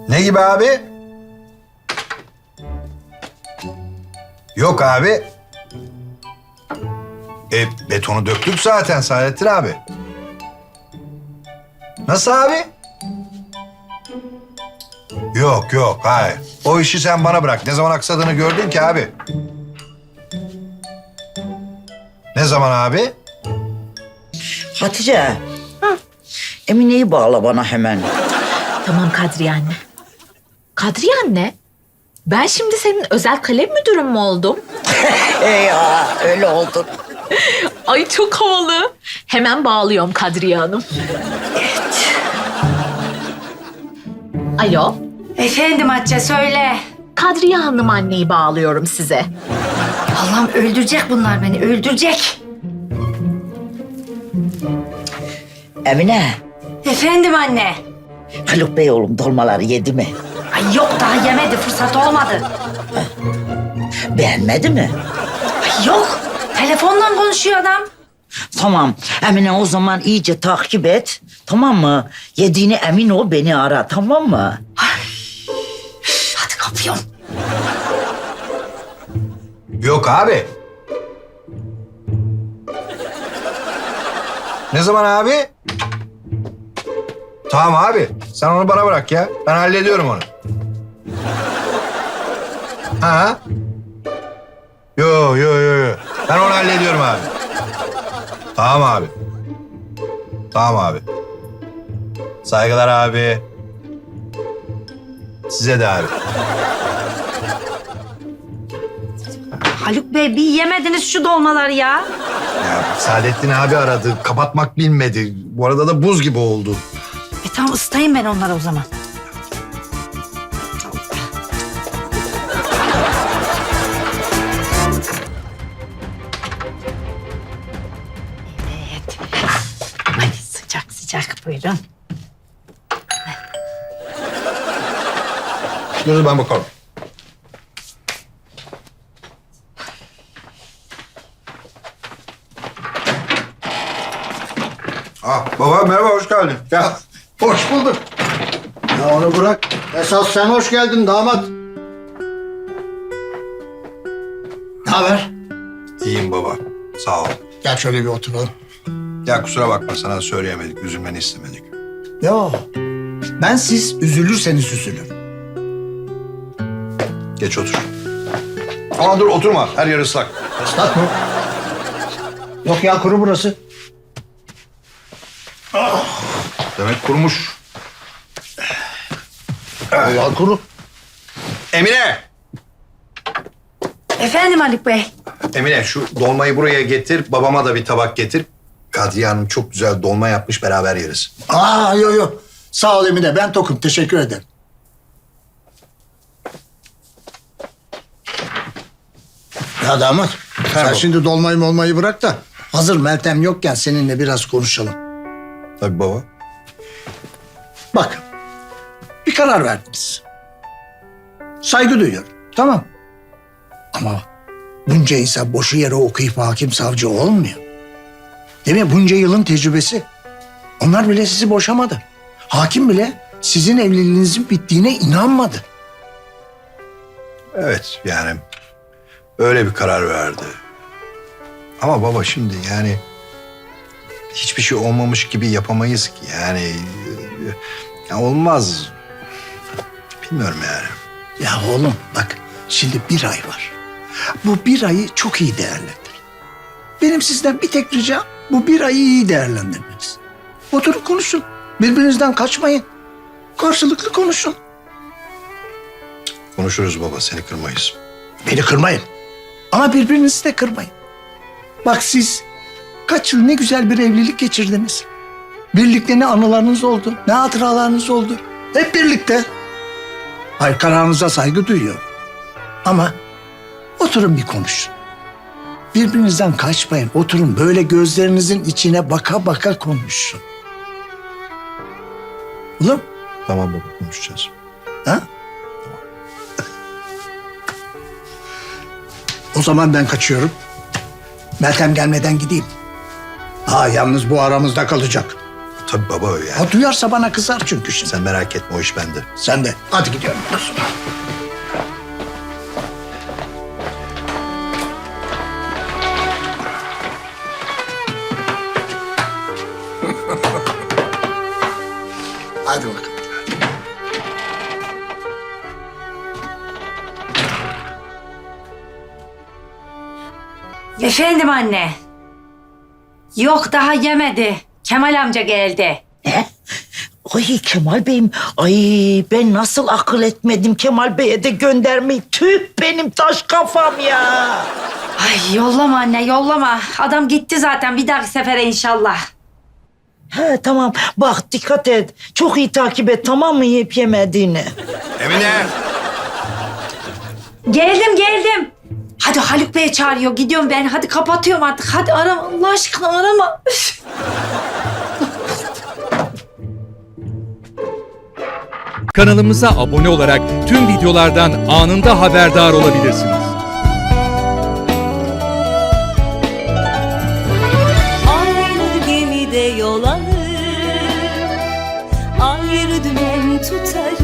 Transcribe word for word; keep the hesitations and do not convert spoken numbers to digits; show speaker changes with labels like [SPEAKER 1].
[SPEAKER 1] Ne gibi abi? Yok abi. E, betonu döktük zaten Saadettin abi. Nasıl abi? Yok yok hayır. O işi sen bana bırak. Ne zaman aksadığını gördün ki abi? Ne zaman abi?
[SPEAKER 2] Hatice. Emine'yi bağla bana hemen.
[SPEAKER 3] Tamam Kadriye anne. Kadriye anne, ben şimdi senin özel kalem müdürün mü oldum?
[SPEAKER 2] E ya öyle oldun.
[SPEAKER 3] Ay çok havalı. Hemen bağlıyorum Kadriye Hanım. Alo,
[SPEAKER 4] Efendim Hatice söyle.
[SPEAKER 3] Kadriye Hanım anneyi bağlıyorum size.
[SPEAKER 4] Allah'ım öldürecek bunlar beni, öldürecek.
[SPEAKER 2] Emine,
[SPEAKER 4] Efendim anne.
[SPEAKER 2] Haluk Bey oğlum dolmaları yedi mi?
[SPEAKER 4] Ay yok daha yemedi, fırsat olmadı.
[SPEAKER 2] Beğenmedi mi?
[SPEAKER 4] Ay yok, telefonla konuşuyor adam.
[SPEAKER 2] Tamam, Emine o zaman iyice takip et. Tamam mı? Yediğine emin ol, beni ara, tamam mı?
[SPEAKER 4] Hadi kapıyorum.
[SPEAKER 1] Yok abi. Ne zaman abi? Tamam abi. Sen onu bana bırak ya. Ben hallediyorum onu. Ha? Yo yo yo yo. Ben onu hallediyorum abi. Tamam abi. Tamam abi. Saygılar abi. Size de abi.
[SPEAKER 4] Haluk Bey bir yemediniz şu dolmaları ya.
[SPEAKER 1] Ya Saadettin abi aradı. Kapatmak bilmedi. Bu arada da buz gibi oldu.
[SPEAKER 4] E tamam ısıtayım ben onları o zaman. Evet. Hadi sıcak sıcak buyurun.
[SPEAKER 1] Dur ben bakalım. Ah baba merhaba hoş geldin.
[SPEAKER 5] Ya hoş bulduk. Ya onu bırak. Esas sen hoş geldin damat. Ne haber?
[SPEAKER 1] İyiyim baba. Sağ ol.
[SPEAKER 5] Gel şöyle bir oturalım.
[SPEAKER 1] Ya kusura bakma sana söyleyemedik. Üzülmeni istemedik.
[SPEAKER 5] Yo. Ben siz üzülürseniz üzülürüm.
[SPEAKER 1] Geç otur. Ama dur oturma. Her yer ıslak.
[SPEAKER 5] Islak mı? Yok ya kuru burası.
[SPEAKER 1] Demek kurumuş.
[SPEAKER 5] Ya kuru.
[SPEAKER 1] Emine!
[SPEAKER 4] Efendim Haluk Bey.
[SPEAKER 1] Emine şu dolmayı buraya getir. Babama da bir tabak getir. Kadriye Hanım çok güzel dolma yapmış. Beraber yeriz.
[SPEAKER 5] Aa yo yo. Sağ ol Emine ben tokum teşekkür ederim. Ya damat sen
[SPEAKER 1] baba.
[SPEAKER 5] şimdi dolmayı molmayı bırak da hazır Meltem yokken seninle biraz konuşalım.
[SPEAKER 1] Tabii baba.
[SPEAKER 5] Bak, bir karar verdiniz. Saygı duyuyorum, tamam. Ama bunca insan boşu yere okuyup hakim savcı olmuyor. Değil mi? Bunca yılın tecrübesi. Onlar bile sizi boşamadı. Hakim bile sizin evliliğinizin bittiğine inanmadı.
[SPEAKER 1] Evet yani öyle bir karar verdi. Ama baba şimdi yani hiçbir şey olmamış gibi yapamayız ki. Yani e, ya olmaz. Bilmiyorum yani.
[SPEAKER 5] Ya oğlum bak şimdi bir ay var. Bu bir ayı çok iyi değerlendirin. Benim sizden bir tek ricam bu bir ayı iyi değerlendirmeniz. Oturup konuşun. Birbirinizden kaçmayın. Karşılıklı konuşun.
[SPEAKER 1] Konuşuruz baba seni kırmayız.
[SPEAKER 5] Beni kırmayın. Ama birbirinizi de kırmayın. Bak siz kaç yıl ne güzel bir evlilik geçirdiniz. Birlikte ne anılarınız oldu, ne hatıralarınız oldu. Hep birlikte. Hayır kararınıza saygı duyuyorum. Ama oturun bir konuşun. Birbirinizden kaçmayın. Oturun böyle gözlerinizin içine baka baka konuşun. Oğlum,
[SPEAKER 1] Tamam baba konuşacağız.
[SPEAKER 5] ha? O zaman ben kaçıyorum. Meltem gelmeden gideyim. Ha yalnız bu aramızda kalacak.
[SPEAKER 1] Tabii baba yani.
[SPEAKER 5] Ha, duyarsa bana kızar çünkü şimdi.
[SPEAKER 1] Sen merak etme, o iş bende.
[SPEAKER 5] Sen de. Hadi gidiyorum. Dur. Hadi bakalım.
[SPEAKER 4] Efendim anne. Yok daha yemedi. Kemal amca geldi.
[SPEAKER 2] Ne? Ay Kemal Bey'im, ay ben nasıl akıl etmedim Kemal Bey'e de göndermeyi. Tüh benim taş kafam ya.
[SPEAKER 4] Ay yollama anne yollama. Adam gitti zaten bir dahaki sefere inşallah.
[SPEAKER 2] He tamam bak dikkat et. Çok iyi takip et tamam mı yiyip yemediğini.
[SPEAKER 1] Emine!
[SPEAKER 4] Geldim geldim. Hadi Haluk Bey çağırıyor. Gidiyorum ben. Hadi kapatıyorum artık. Hadi arama Allah aşkına arama. Üf.
[SPEAKER 6] Kanalımıza abone olarak tüm videolardan anında haberdar olabilirsiniz.
[SPEAKER 7] Aynı gemide yol alır, ayrı dümen tutarız.